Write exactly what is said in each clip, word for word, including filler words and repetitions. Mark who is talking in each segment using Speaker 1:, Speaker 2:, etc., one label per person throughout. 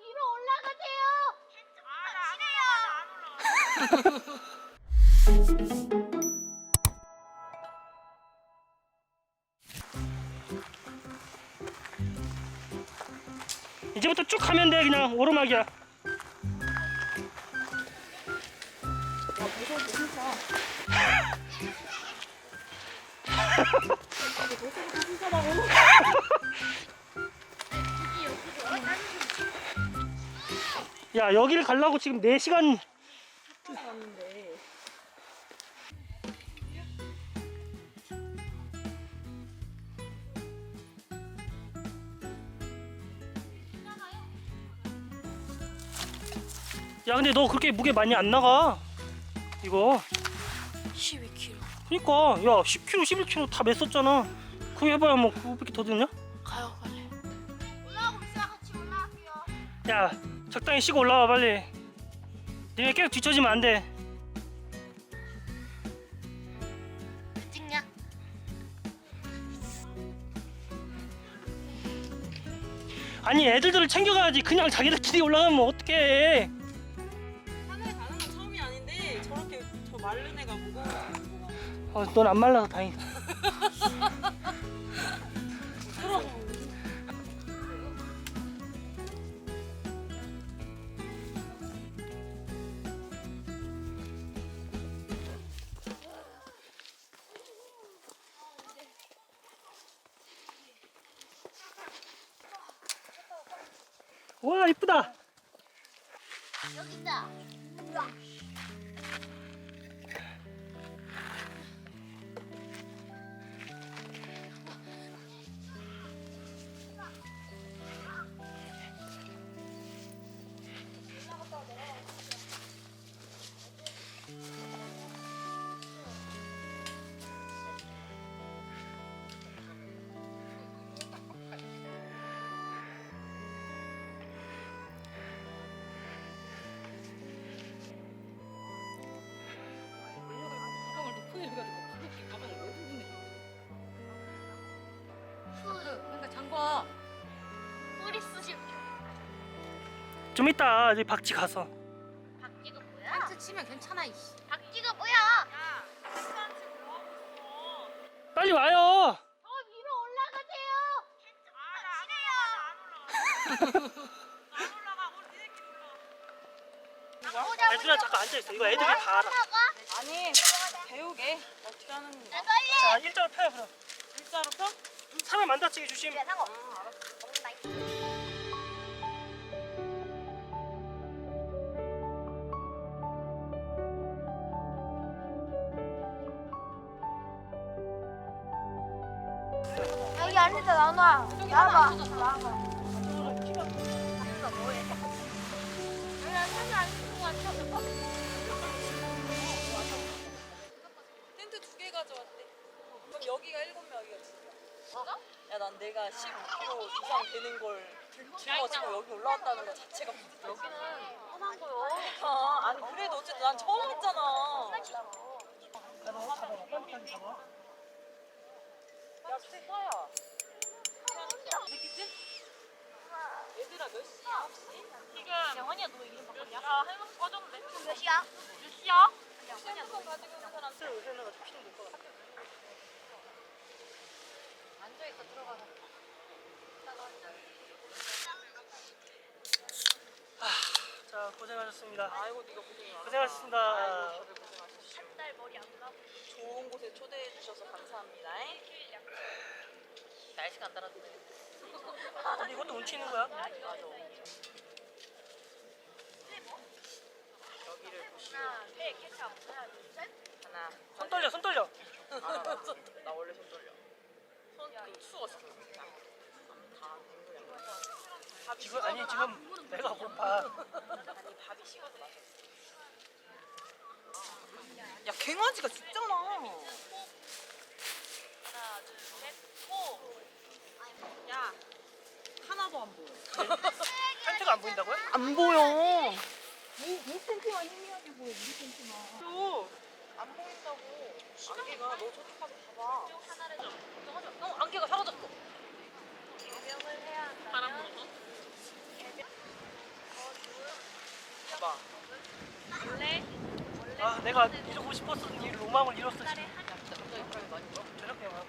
Speaker 1: 위로 올라가세요.
Speaker 2: 이제부터 쭉 가면 돼. 그냥 오르막이야. 야, 여기를 가려고 지금 네 시간
Speaker 3: 왔는데.
Speaker 2: 야, 근데 너 그렇게 무게 많이 안 나가. 이거.
Speaker 3: 십이 킬로그램.
Speaker 2: 그니까, 야, 십 킬로그램, 십일 킬로그램 다 맸었잖아. 그거 해봐야 뭐 그거밖에 더 드냐?
Speaker 3: 가요 빨리.
Speaker 1: 올라가고 있어. 같이 올라갈게요.
Speaker 2: 야, 적당히 쉬고 올라와 빨리. 니네 계속 뒤처지면 안 돼.
Speaker 1: 왜 찍냐?
Speaker 2: 아니, 애들들을 챙겨가야지. 그냥 자기들끼리 올라가면 어떡해.
Speaker 3: 산에 가는 건 처음이 아닌데 저렇게 저 마른 애가 무거워.
Speaker 2: 어, 넌 안 말라서 다행이다. 와, 이쁘다.
Speaker 1: 여기 있다.
Speaker 3: 가방을 놓고 내려가지고 가볍게 가방을 왜 들고 내려? 그러니까 장과.
Speaker 1: 뿌리 쓰실
Speaker 2: 좀 이따 이제 박쥐 가서.
Speaker 1: 박쥐가 뭐야?
Speaker 3: 한트 치면 괜찮아 이씨.
Speaker 1: 박쥐가 뭐야?
Speaker 3: 야, 한트한테 뭐 하고 있어?
Speaker 2: 빨리 와요.
Speaker 1: 더 위로 올라가세요.
Speaker 3: 안 올라가. 안 올라가. 우리 니네끼리 올라.
Speaker 2: 애들아 잠깐 앉아있어. 이거 애들이 다 알아.
Speaker 3: 아니 배우게 어떻게 하는 거야?
Speaker 2: 자, 일자로 펴요 그럼.
Speaker 3: 일자로 펴?
Speaker 2: 사람 안 다치게 조심.
Speaker 1: 상어. 여기 앉았다 나눠. 나와봐. 나와봐.
Speaker 3: 텐트 두 개 가져왔대. 그럼 여기가 일곱 명이야 진짜. 야, 난 내가 십오 킬로그램 이상 되는 걸 짊어지고 여기 올라왔다는 거 자체가 뿌듯해. 여기는 편한 거요. 아, 아니 그래도 어쨌든 난 처음 했잖아. 야, 스테파야. 믿겠지? 얘들아 몇 시야 혹시?
Speaker 1: 지금 영원이야 너 이름 바꿨냐? 아 핸드폰 꺼졌는데. 몇 시야? 몇 시야? 영원이야 너
Speaker 3: 핸드폰 가지고 있는 사람
Speaker 2: 새로 해놔가지고 피는 될것 같아.
Speaker 1: 앉아있어 들어가서.
Speaker 2: 자, 고생하셨습니다.
Speaker 3: 아이고 네가 고생이 많아.
Speaker 2: 고생하셨습니다.
Speaker 3: 아이고 다들 고생하셨어.
Speaker 1: 한달 머리 안 감고.
Speaker 3: 좋은 곳에 초대해 주셔서 감사합니다. 날씨가 안 따라주네.
Speaker 2: 근데 이것도 운치 있는 거야?
Speaker 3: 맞아. 여기를 보시고
Speaker 1: 하나, 셋, 케찹. 하나, 둘, 셋.
Speaker 3: 하나.
Speaker 2: 손 떨려, 손 떨려.
Speaker 3: 아, 나 원래 손 떨려. 손그 추웠어. 다 밥이
Speaker 2: 지금 아니 지금 내가 고파.
Speaker 3: 아니 밥이 식어서 마셔. 야, 갱아지가 진짜나.
Speaker 1: 하나, 둘, 셋, 호.
Speaker 3: 야, 하나도 안 보여.
Speaker 2: 텐트가 안 보인다고요?
Speaker 3: 안 보여. 이, 이 텐트만 희미하게 보여. 이 텐트만. 또, 안 보인다고. 안개가 너 저쪽 가서 봐봐.
Speaker 1: 하나를 좀 걱정하지 마.
Speaker 3: 어, 안개가 사라졌어.
Speaker 1: 개명을 해야 한다면.
Speaker 3: 바람 불어서?
Speaker 2: 아 내가 이러고 싶었던 이 로망을 이뤘어 지금. 저녁에 와.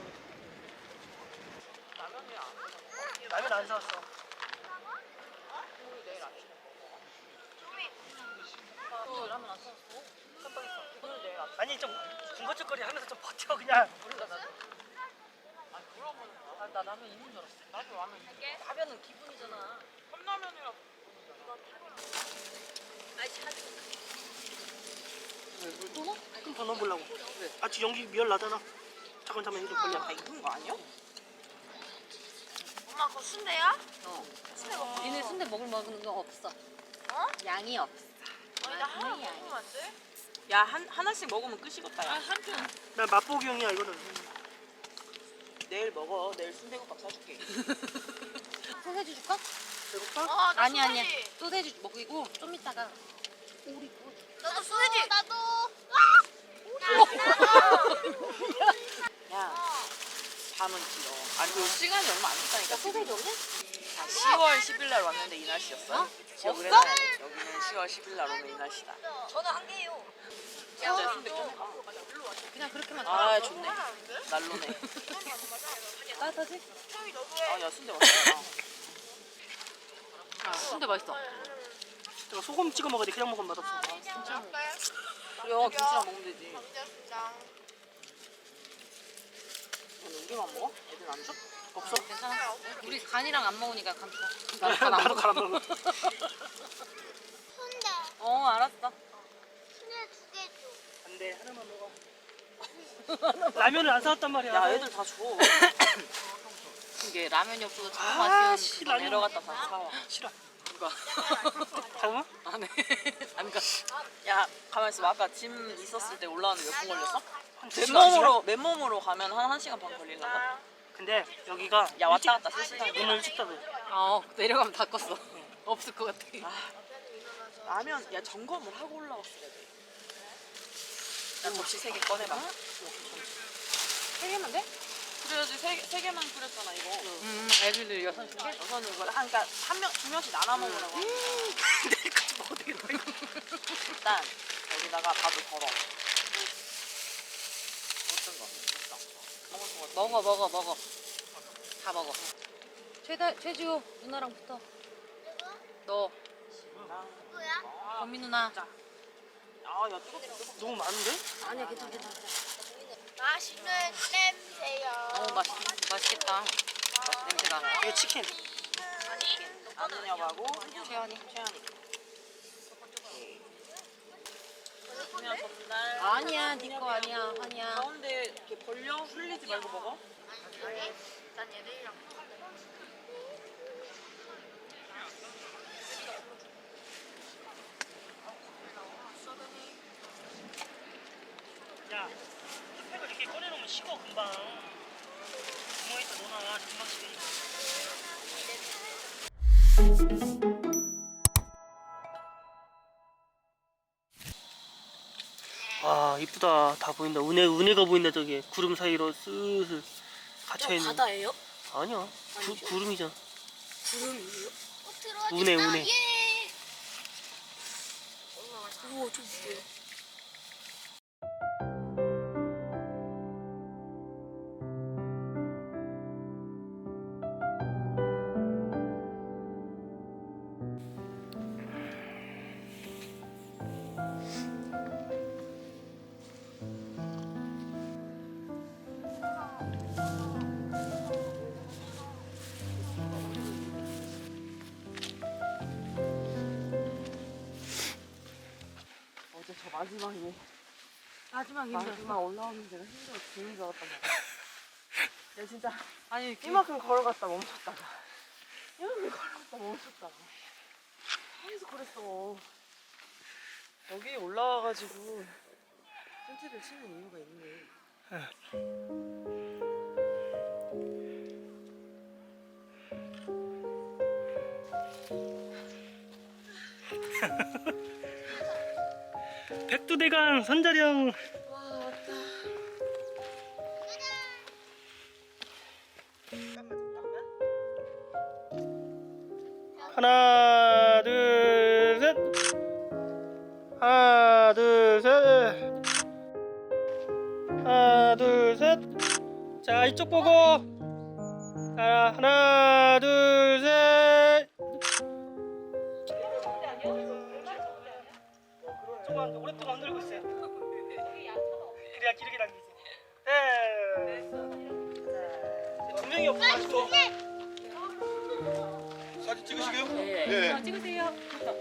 Speaker 2: 라면 안 사왔어.
Speaker 3: 어, 라면 안 사왔어. 깜빡했어. 오늘 내일 아침.
Speaker 2: 아니 좀 군것질거리 하면서 좀 버텨 그냥.
Speaker 3: 몰라 나. 아 물어보는 거야. 아, 나 라면 있는 줄 알았어. 나도 라면 있는데. 라면은 기분이잖아. 컵라면이랑.
Speaker 2: 또 넣어? 좀 더 넣어보려고. 아 지금 연기 미열 나잖아. 잠깐 잠깐 이거 좀 벌려.
Speaker 3: 다 익은 거 아니야?
Speaker 1: 엄마 그거 순대야?
Speaker 3: 어. 니네 순대 먹을 먹는 거 없어.
Speaker 1: 어?
Speaker 3: 양이 없어.
Speaker 1: 아니 나 하나
Speaker 3: 분명히
Speaker 1: 먹으면 안 돼?
Speaker 3: 야, 한 하나씩 먹으면 끝이겠다. 야. 한 편.
Speaker 2: 난 맛보기용이야 이거는.
Speaker 3: 내일 먹어. 내일 순대국밥 사줄게. 소세지 줄까?
Speaker 2: 배고파?
Speaker 1: 어, 나
Speaker 3: 아니 아니야.
Speaker 1: 소세지.
Speaker 3: 소세지 먹이고 좀 이따가 오리
Speaker 1: 나도 소세지. 나도.
Speaker 3: 야, 밤은 길어. 아니 그 시간이 얼마 안 됐다니까. 소세지 없네? 자,
Speaker 1: 어?
Speaker 3: 시월 십일 날 왔는데 이 날씨였어? 기억을
Speaker 1: 없어?
Speaker 3: 해놔야 돼. 여기는 시월 십일 날 오면 이 날씨다.
Speaker 1: 저는 한 개요.
Speaker 3: 진짜 순대 좀 해봐.
Speaker 1: 그냥 그렇게만.
Speaker 3: 아 좋네. 난로네. 따뜻하지? 아, 야 순대 맛있다. 아, 순대 맛있어.
Speaker 2: 내가 소금 찍어 먹어야 돼. 그냥 먹으면 맛없어.
Speaker 3: 그래, 김치랑 먹으면 되지. 근데 우리만 먹어? 애들 안 줘?
Speaker 2: 없어?
Speaker 3: 괜찮아. 우리 간이랑 안 먹으니까 간 줘.
Speaker 2: 나도 갈아 먹어.
Speaker 4: 순대,
Speaker 3: 어, 알았어.
Speaker 4: 순대 두 개 줘.
Speaker 2: 안돼 하나만 먹어. 라면을 안 사왔단 말이야.
Speaker 3: 야, 애들 다 줘. 이게 라면이 없어서 정말
Speaker 2: 아,
Speaker 3: 맛있는
Speaker 2: 씨,
Speaker 3: 그거
Speaker 2: 라면.
Speaker 3: 내려갔다 다시 사와.
Speaker 2: 싫어.
Speaker 3: 누가?
Speaker 2: 가마?
Speaker 3: 안 해. 안 가. 야, 가만 있어. 아까 짐 있었을 때 올라오는데 몇 분 걸렸어?
Speaker 2: 두 시간, 두
Speaker 3: 맨몸으로 맨몸으로 가면 한 1시간 반 걸리려나?
Speaker 2: 근데 여기가
Speaker 3: 야, 왔다 갔다 세 시간.
Speaker 2: 문을 일찍 닫아.
Speaker 3: 어, 내려가면 다 껐어. 없을 것 같아. 아, 라면 야 점검을 하고 올라왔어야 돼. 야, 접시 세 개 꺼내봐. 세 개만 돼? 그래야지 세, 개- 세 개만 끓였잖아 이거. 음, 애들들 여섯 개? 여섯은 이거 한 그러니까 한 명, 두 명씩 나눠 먹으라고.
Speaker 2: 내일까지 먹어도 되겠다 이거.
Speaker 3: 일단 여기다가 밥을 걸어. 어떤 거? 있어. 먹을 거 같아. 먹어 먹어 먹어. 다 먹어. 최다 최지호 누나랑 붙어. 너.
Speaker 4: 누구야?
Speaker 3: 범미 누나. 아, 야 뜨겁다 뜨겁다.
Speaker 2: 너무 많은데?
Speaker 3: 아니야 괜찮아 괜찮아.
Speaker 4: 맛있는 냄새요.
Speaker 3: 어 맛있 맛있겠다. 맛있 냄새가.
Speaker 2: 이거 치킨.
Speaker 3: 안누냐하고 최연이 최연이. 그냥 전날. 아니야 네 거 아니야 아니야. 가운데 이렇게 벌려 흘리지 말고 먹어.
Speaker 4: 난 얘들이랑
Speaker 2: 야, 팩을 이렇게 꺼내놓으면 식어 금방. 구멍에다 넣어놔 금방 식으니까. 와 이쁘다. 다 보인다. 은혜 은혜가 보인다. 저기 구름 사이로 슬슬 갇혀 있는.
Speaker 1: 바다예요?
Speaker 2: 아니야. 구, 구름이잖아.
Speaker 1: 구름이에요?
Speaker 4: 꼭 들어와.
Speaker 2: 운해 운해.
Speaker 4: 예.
Speaker 1: 우와 좀 무게요.
Speaker 3: 어제 저 마지막에
Speaker 1: 마지막
Speaker 3: 마지막 올라오는 데가 힘들어 죽는 줄 알았단 말이야. 야 진짜 아니 이만큼 걸어갔다 멈췄다가 이만큼 걸어갔다 멈췄다가 계속 그랬어. 여기 올라와가지고 텐트를 치는 이유가 있네.
Speaker 2: 백두대간 선자령.
Speaker 3: 와 왔다.
Speaker 2: 하나 둘 셋. 하나 둘 셋. 자, 이쪽 보고. 자, 하나, 둘, 셋. 조금 오랫동안 흔들고 있어요. 그래야 기르게 당기지. 네. 두 명이 없어 아직도.
Speaker 5: 사진 찍으시게요?
Speaker 3: 네.
Speaker 5: 네.
Speaker 3: 찍으세요.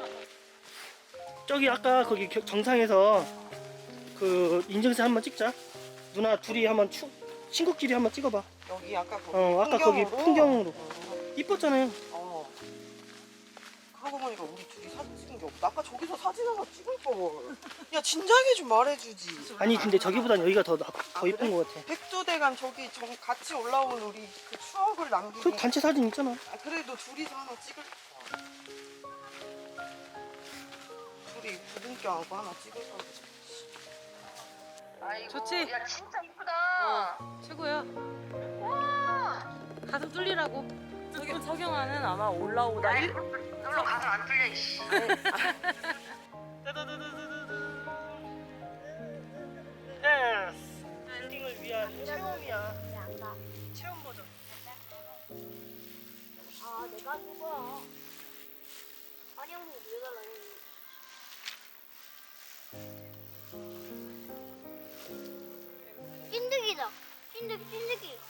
Speaker 2: 저기 아까 거기 겨- 정상에서 그 인증샷 한번 찍자. 누나 둘이 한번 추, 친구끼리 한번 찍어봐.
Speaker 6: 여기 아까 거기
Speaker 2: 어, 아까 거기 풍경으로. 이뻤잖아요.
Speaker 6: 어. 그러고 보니까 우리 둘이 사진 찍은 게 없다. 아까 저기서 사진 하나 찍을 걸. 야 진작에 좀 말해주지.
Speaker 2: 아니 근데 저기보단 여기가 더, 나- 더 이쁜 것 같아.
Speaker 6: 백두대간 저기 좀 같이 올라온 우리 그 추억을 남기기.
Speaker 2: 그 단체 사진 있잖아.
Speaker 6: 아, 그래도 둘이서 하나 찍을 걸. 둘이 부둥켜하고 하나 찍을 걸.
Speaker 3: 좋지?
Speaker 1: 야 진짜 이쁘다.
Speaker 3: 최고야. 가슴 뚫리라고. 석영, 석영아는 아마 올라오다 일,
Speaker 1: 너로 가서 안 뚫려 이씨.
Speaker 2: 예스. 엔딩을 위한 체험이야. 체험 버전.
Speaker 4: 아 내가 누구야? 아니 형님 왜 달라요? 찐득이다. 찐득 찐득이.